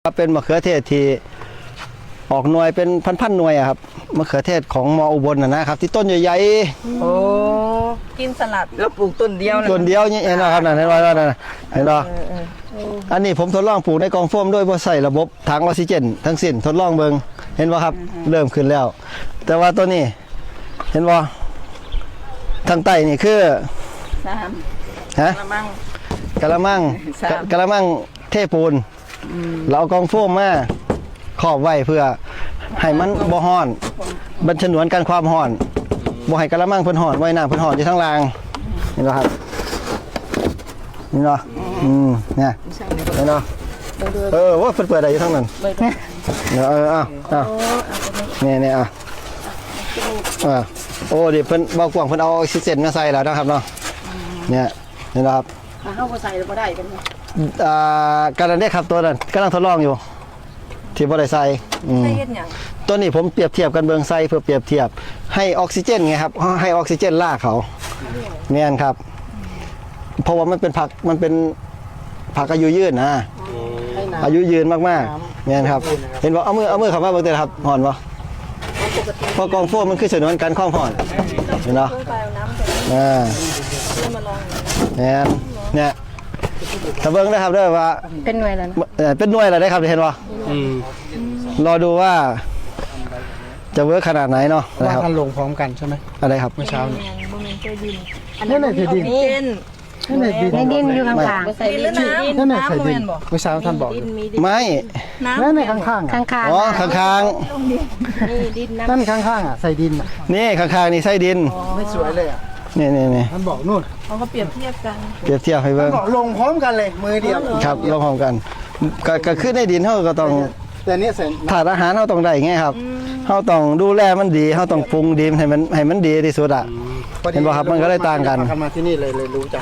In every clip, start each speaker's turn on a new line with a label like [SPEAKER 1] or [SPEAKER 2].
[SPEAKER 1] เป็นมะเขือเทศที่ออกหน่วยเป็นพันๆหน่วยอะครับมะเขือเทศของมออุบลนะครับที่ต้นใหญ่
[SPEAKER 2] โอ้กินสลัดแล้วปลูกต้นเดียว
[SPEAKER 1] ๆต้นเดียวนี่เองนะครับนั่นเห็นว่านั่นเห็นป่ะอันนี้ผมทดลองปลูกในกองโฟมด้วยบ่ใส่ระบบถังออกซิเจนทั้งสิ้นทดลองเบิ่งเห็นป่ะครับเริ่มขึ้นแล้ว แต่ว่าตัวนี้เห็นป่ะทางใต้นี่คือ
[SPEAKER 2] 3ฮะ
[SPEAKER 1] กะละมังเทปูนเราเอากองโฟมมาครอบไว้เพื่อให้มันบ่ฮ้อนบรรฉนวนกันความฮ้อนบ่ให้กะละมังเพิ่นฮ้อนไว้น้ำเพิ่นฮ้อนอยู่ทางล่างเห็นบ่ครับนี่เนาะเนี่ยเห็นเนาะว่าเพิ่นเปิดได้อยู่ทางนั้นเนี่ยโอ้ดิเพิ่นบ่กว้างเพิ่นเอาออกซิเจนมาใส่แล้วนะครับเนาะเนี่ยเห็นบ่ครับ
[SPEAKER 2] เฮาบ่ใส่แล้วบ่ได้เป็น
[SPEAKER 1] กำลังได้ครับตัวนั้นกำลังทดลองอยู่ที่บ่ได้ใส่ตัวนี้ผมเปรียบเทียบกันเบิ่งใส่เพื่อเปรียบเทียบให้ออกซิเจนไงครับให้ออกซิเจนล่าเขาแม่นครับเพราะว่ามันเป็นผักอายุยืนนะอายุยืนมากๆแม่นครับเห็นบ่เอามือเข้ามาเบิ่งเด้อครับห่อนบ่เพราะกองโฟมมันคือฉนวนกันความห่อนเห็นเนาะแม่นเนี่ยถ้าเบิ่งได้ครับเด้อว่า
[SPEAKER 2] เป็นหน่วยแล้ว
[SPEAKER 1] นะเป็นหน่วยแล้วได้ครับเห็นบ่รอดูว่าจะเวิร์คขนาดไหนเนาะ
[SPEAKER 3] ว่าท่านลงพร้อมกันใช่ไหม
[SPEAKER 1] อะไรครับ
[SPEAKER 3] เมื่อเช้านี่
[SPEAKER 2] นั่นไหนที่ดิน
[SPEAKER 3] นั่นไหน
[SPEAKER 2] ดินอยู่ข้างๆใส่ดินแล้วน้ำ
[SPEAKER 3] นั่นไหนใส่ดินเมื่อเช้าท่านบอก
[SPEAKER 1] ไม่
[SPEAKER 3] นั่นไหนข้าง
[SPEAKER 2] ๆ
[SPEAKER 1] อ๋อข้าง
[SPEAKER 3] ๆนั่นข้างๆอ่ะใส่ดิน
[SPEAKER 1] นี่ข้างๆนี่ใส่ดิน
[SPEAKER 3] ไม่สวยเลยอ่ะ
[SPEAKER 1] นี่
[SPEAKER 3] ท่านบอกนู่น
[SPEAKER 2] เขาก็เปรียบเทียบกัน
[SPEAKER 1] เปรียบเทียบให้เบิ่ง
[SPEAKER 3] บอกลงพร้อมกันเลยมือเดียว
[SPEAKER 1] ครับลงพร้อมกันก็ขึ้นในดินเฮาก็ต้อง
[SPEAKER 3] แต่นี่เสร็จ
[SPEAKER 1] ถาดอาหารเฮาต้องได้ไงครับเฮาต้องดูแลมันดีเฮาต้องปรุงดีให้มันดีที่สุดอ่ะเห็นบ่ครับมันก็ได้ต่างกัน
[SPEAKER 3] มาที่นี่เลยรู้จัก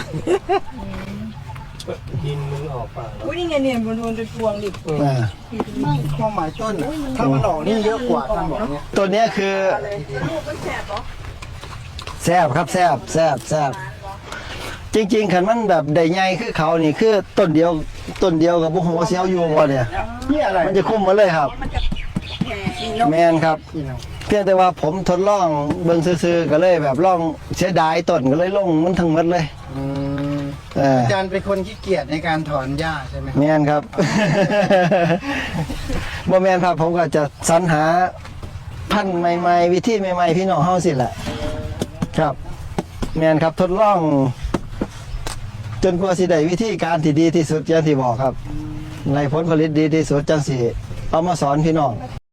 [SPEAKER 2] ดินมึงออกป่ะอุ้ยนี่ไงเนี่ยมันจะพวงดิ
[SPEAKER 3] ไม่ความหมายต้นถ้ามันออกนี่เยอะกว่าท่านบอกเนี่ย
[SPEAKER 1] ตัวนี้คือแซ่บครับแซ่บจริงๆคันมันแบบได้ใหญ่คือเขานี่คือต้นเดียวกับบ่ฮู้ว่าสิเอาอยู่บ่เนี่ยมันจะคุ้มมาเลยครับแม่นครับเพียงแต่ว่าผมทดลองเบิ่งซื่อๆก็เลยแบบลองเสียดายต้นก็เลยลงมันทั้งหมดเลย
[SPEAKER 3] อาจารย์เป็นคนขี้เกียจในการถอนหญ้าใช่ไหม
[SPEAKER 1] แม่นครับบ่แม่นครับผมก็จะสรรหาพันธุ์ใหม่ๆวิธีใหม่ๆพี่น้องเฮาสิแหละครับแม่นครับทดลองจนกว่าสิได้วิธีการที่ดีที่สุดอย่างที่บอกครับในผลผลิตดีที่สุดจังสิเอามาสอนพี่น้อง